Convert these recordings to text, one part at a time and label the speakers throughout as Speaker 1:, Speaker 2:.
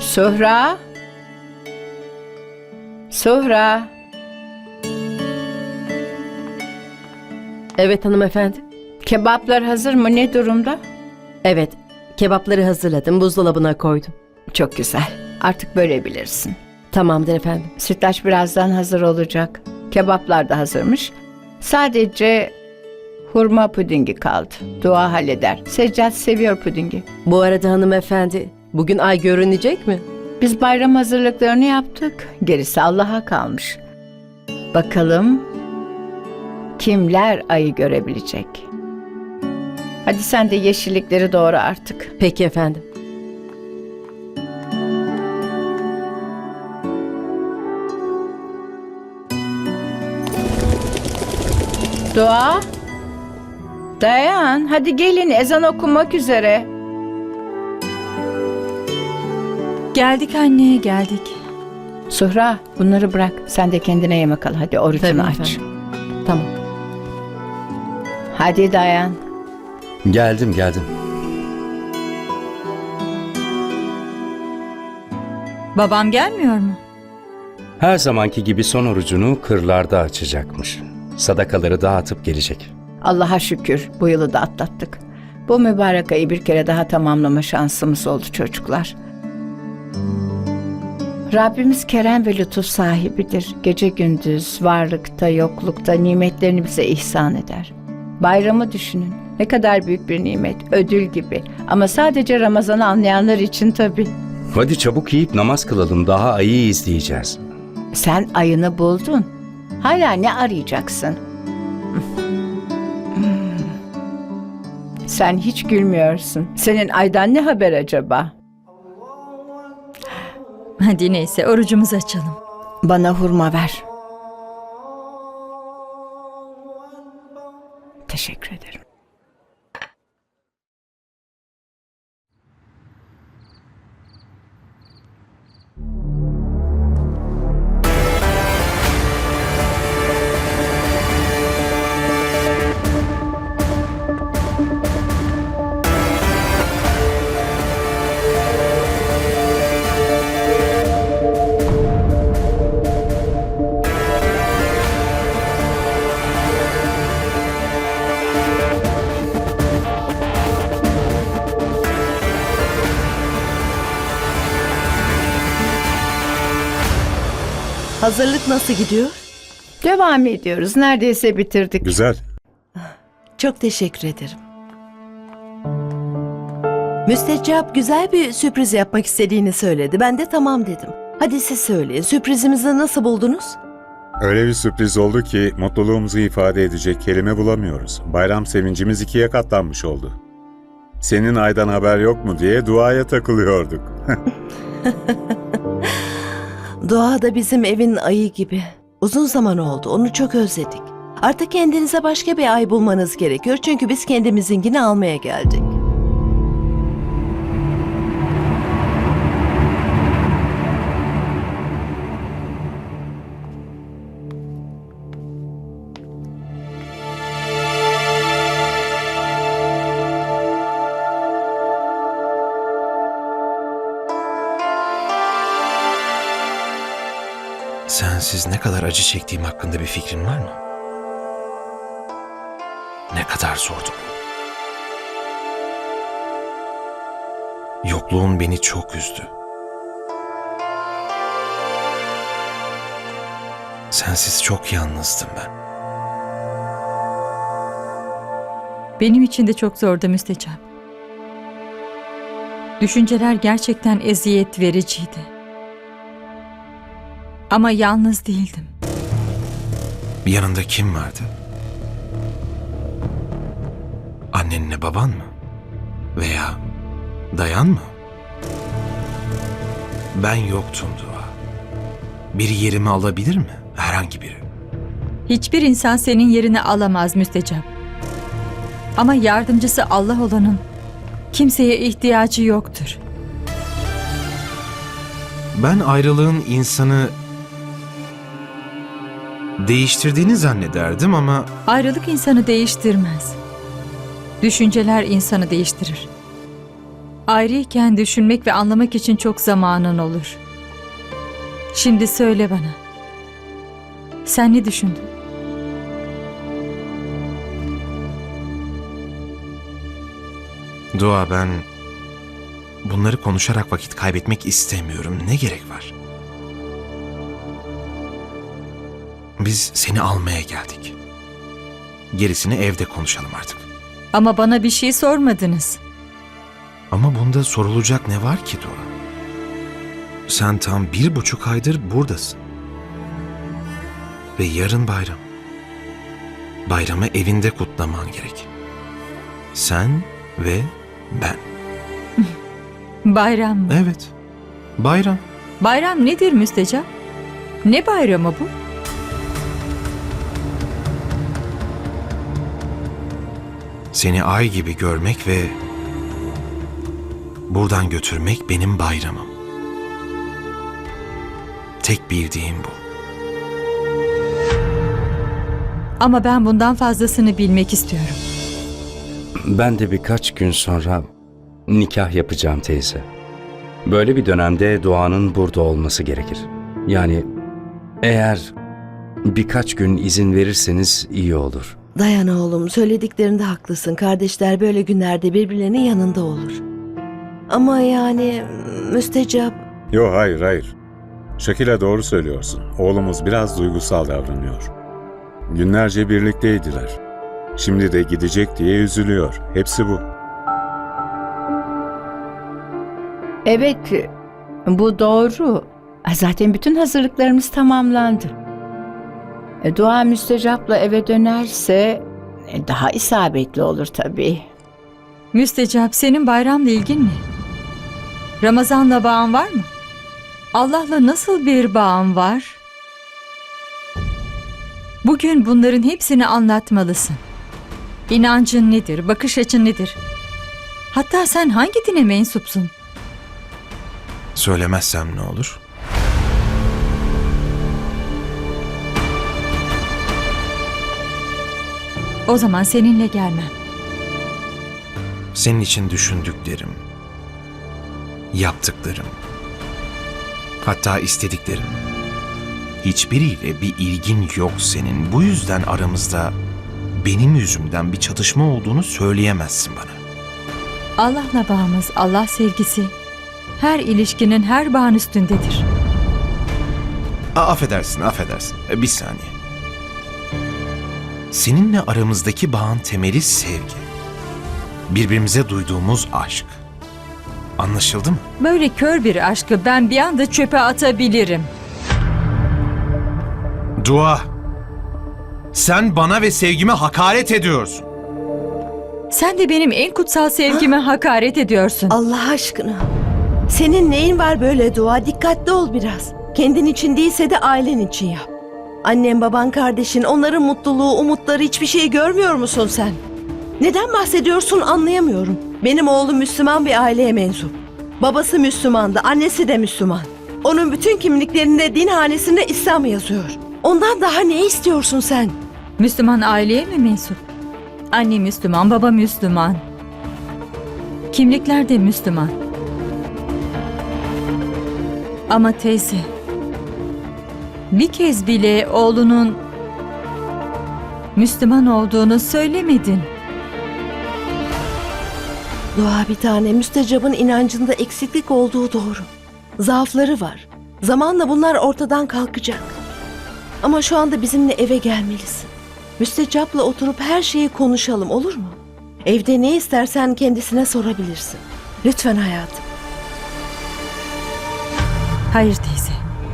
Speaker 1: Suhra? Suhra?
Speaker 2: Evet hanımefendi.
Speaker 1: Kebaplar hazır mı? Ne durumda?
Speaker 2: Evet, kebapları hazırladım, buzdolabına koydum.
Speaker 1: Çok güzel. Artık bölebilirsin.
Speaker 2: Tamamdır efendim.
Speaker 1: Sütlaç birazdan hazır olacak. Kebaplar da hazırmış. Sadece hurma pudingi kaldı. Dua halleder. Seccat seviyor pudingi.
Speaker 2: Bu arada hanımefendi, bugün ay görünecek mi?
Speaker 1: Biz bayram hazırlıklarını yaptık. Gerisi Allah'a kalmış. Bakalım kimler ayı görebilecek? Hadi sen de yeşillikleri doğra artık.
Speaker 2: Peki efendim.
Speaker 1: Dua. Dayan. Hadi gelin, ezan okunmak üzere.
Speaker 3: Geldik anne, geldik.
Speaker 1: Suhra, bunları bırak. Sen de kendine yemek al. Hadi orucunu
Speaker 2: Tabii
Speaker 1: aç.
Speaker 2: efendim. Tamam.
Speaker 1: Hadi dayan.
Speaker 4: Geldim.
Speaker 3: Babam gelmiyor mu?
Speaker 4: Her zamanki gibi son orucunu kırlarda açacakmış. Sadakaları dağıtıp gelecek.
Speaker 1: Allah'a şükür bu yılı da atlattık. Bu mübarek ayı bir kere daha tamamlama şansımız oldu çocuklar. Rabbimiz kerem ve lütuf sahibidir. Gece gündüz, varlıkta, yoklukta nimetlerini bize ihsan eder. Bayramı düşünün. Ne kadar büyük bir nimet, ödül gibi. Ama sadece Ramazan'ı anlayanlar için tabii.
Speaker 4: Hadi çabuk yiyip namaz kılalım, daha ayı izleyeceğiz.
Speaker 1: Sen ayını buldun. Hala ne arayacaksın? Sen hiç gülmüyorsun. Senin aydan ne haber acaba?
Speaker 3: Hadi neyse, orucumuzu açalım.
Speaker 1: Bana hurma ver. Teşekkür ederim.
Speaker 2: Hazırlık nasıl gidiyor?
Speaker 1: Devam ediyoruz. Neredeyse bitirdik.
Speaker 5: Güzel.
Speaker 2: Çok teşekkür ederim. Müsteccap güzel bir sürpriz yapmak istediğini söyledi. Ben de tamam dedim. Hadi siz söyleyin. Sürprizimizi nasıl buldunuz?
Speaker 5: Öyle bir sürpriz oldu ki mutluluğumuzu ifade edecek kelime bulamıyoruz. Bayram sevincimiz ikiye katlanmış oldu. Senin aydan haber yok mu diye duaya takılıyorduk.
Speaker 2: Doğa da bizim evin ayı gibi. Uzun zaman oldu. Onu çok özledik. Artık kendinize başka bir ay bulmanız gerekiyor. Çünkü biz kendimizinkini almaya geldik.
Speaker 6: Sensiz ne kadar acı çektiğim hakkında bir fikrin var mı? Ne kadar zordu bu. Yokluğun beni çok üzdü. Sensiz çok yalnızdım ben.
Speaker 3: Benim için de çok zordu Müstecap. Düşünceler gerçekten eziyet vericiydi. Ama yalnız değildim.
Speaker 6: Yanında kim vardı? Annenle baban mı? Veya dayan mı? Ben yoktum Dua. Biri yerimi alabilir mi? Herhangi biri.
Speaker 3: Hiçbir insan senin yerini alamaz Müstecap. Ama yardımcısı Allah olanın kimseye ihtiyacı yoktur.
Speaker 6: Ben ayrılığın insanı değiştirdiğini zannederdim ama
Speaker 3: Ayrılık insanı değiştirmez. Düşünceler insanı değiştirir. Ayrıyken düşünmek ve anlamak için çok zamanın olur. Şimdi söyle bana. Sen ne düşündün?
Speaker 6: Dua, ben bunları konuşarak vakit kaybetmek istemiyorum. Ne gerek var? Biz seni almaya geldik. Gerisini evde konuşalım artık.
Speaker 3: Ama bana bir şey sormadınız.
Speaker 6: Ama bunda sorulacak ne var ki Dua? Sen tam 1,5 aydır buradasın. Ve yarın bayram. Bayramı evinde kutlaman gerek. Sen ve ben.
Speaker 3: Bayram mı?
Speaker 6: Evet, bayram.
Speaker 3: Bayram nedir Müstecap? Ne bayramı bu?
Speaker 6: Seni ay gibi görmek ve buradan götürmek benim bayramım. Tek bildiğim bu.
Speaker 3: Ama ben bundan fazlasını bilmek istiyorum.
Speaker 4: Ben de birkaç gün sonra nikah yapacağım teyze. Böyle bir dönemde Doğan'ın burada olması gerekir. Yani eğer birkaç gün izin verirseniz iyi olur.
Speaker 2: Dayan oğlum, söylediklerinde haklısın. Kardeşler böyle günlerde birbirlerinin yanında olur. Ama yani müstecap.
Speaker 5: Yo, hayır hayır. Şakila doğru söylüyorsun. Oğlumuz biraz duygusal davranıyor. Günlerce birlikteydiler. Şimdi de gidecek diye üzülüyor. Hepsi bu.
Speaker 1: Evet, bu doğru. Zaten bütün hazırlıklarımız tamamlandı. Dua müstecapla eve dönerse daha isabetli olur tabii.
Speaker 3: Müstecap, senin bayramla ilgin ne? Ramazan'la bağın var mı? Allah'la nasıl bir bağın var? Bugün bunların hepsini anlatmalısın. İnancın nedir? Bakış açın nedir? Hatta sen hangi dine mensupsun?
Speaker 6: Söylemezsem ne olur?
Speaker 3: O zaman seninle gelmem.
Speaker 6: Senin için düşündüklerim, yaptıklarım, hatta istediklerim. Hiçbiriyle bir ilgin yok senin. Bu yüzden aramızda benim yüzümden bir çatışma olduğunu söyleyemezsin bana.
Speaker 3: Allah'la bağımız, Allah sevgisi her ilişkinin her bağın üstündedir.
Speaker 6: Affedersin. Bir saniye. Seninle aramızdaki bağın temeli sevgi. Birbirimize duyduğumuz aşk. Anlaşıldı mı?
Speaker 3: Böyle kör bir aşkı ben bir anda çöpe atabilirim.
Speaker 6: Dua. Sen bana ve sevgime hakaret ediyorsun.
Speaker 3: Sen de benim en kutsal sevgime hakaret ediyorsun.
Speaker 2: Allah aşkına. Senin neyin var böyle Dua? Dikkatli ol biraz. Kendin için değilse de ailen için yap. Annen, baban, kardeşin, onların mutluluğu, umutları hiçbir şey görmüyor musun sen? Neden bahsediyorsun anlayamıyorum. Benim oğlum Müslüman bir aileye mensup. Babası Müslümandı, annesi de Müslüman. Onun bütün kimliklerinde, din hanesinde İslam yazıyor. Ondan daha ne istiyorsun sen?
Speaker 3: Müslüman aileye mi mensup? Anne Müslüman, baba Müslüman. Kimlikler de Müslüman. Ama teyze, bir kez bile oğlunun Müslüman olduğunu söylemedin.
Speaker 2: Dua bir tane, müstecabın inancında eksiklik olduğu doğru. Zaafları var. Zamanla bunlar ortadan kalkacak. Ama şu anda bizimle eve gelmelisin. Müstecapla oturup her şeyi konuşalım, olur mu? Evde ne istersen kendisine sorabilirsin. Lütfen hayatım.
Speaker 3: Hayır teyze.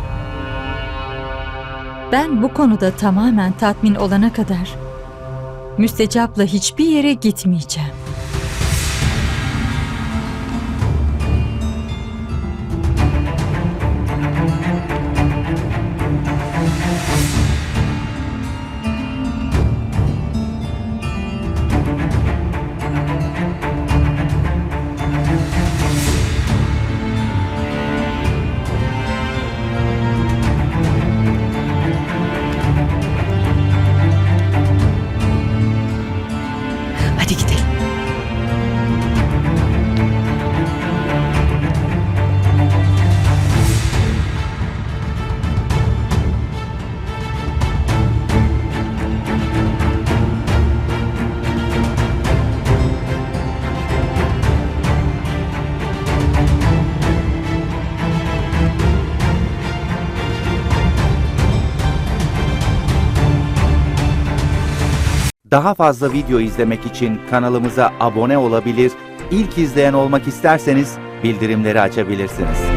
Speaker 3: Ben bu konuda tamamen tatmin olana kadar Müstecap'la hiçbir yere gitmeyeceğim.
Speaker 2: Hadi gidelim.
Speaker 7: Daha fazla video izlemek için kanalımıza abone olabilir, ilk izleyen olmak isterseniz bildirimleri açabilirsiniz.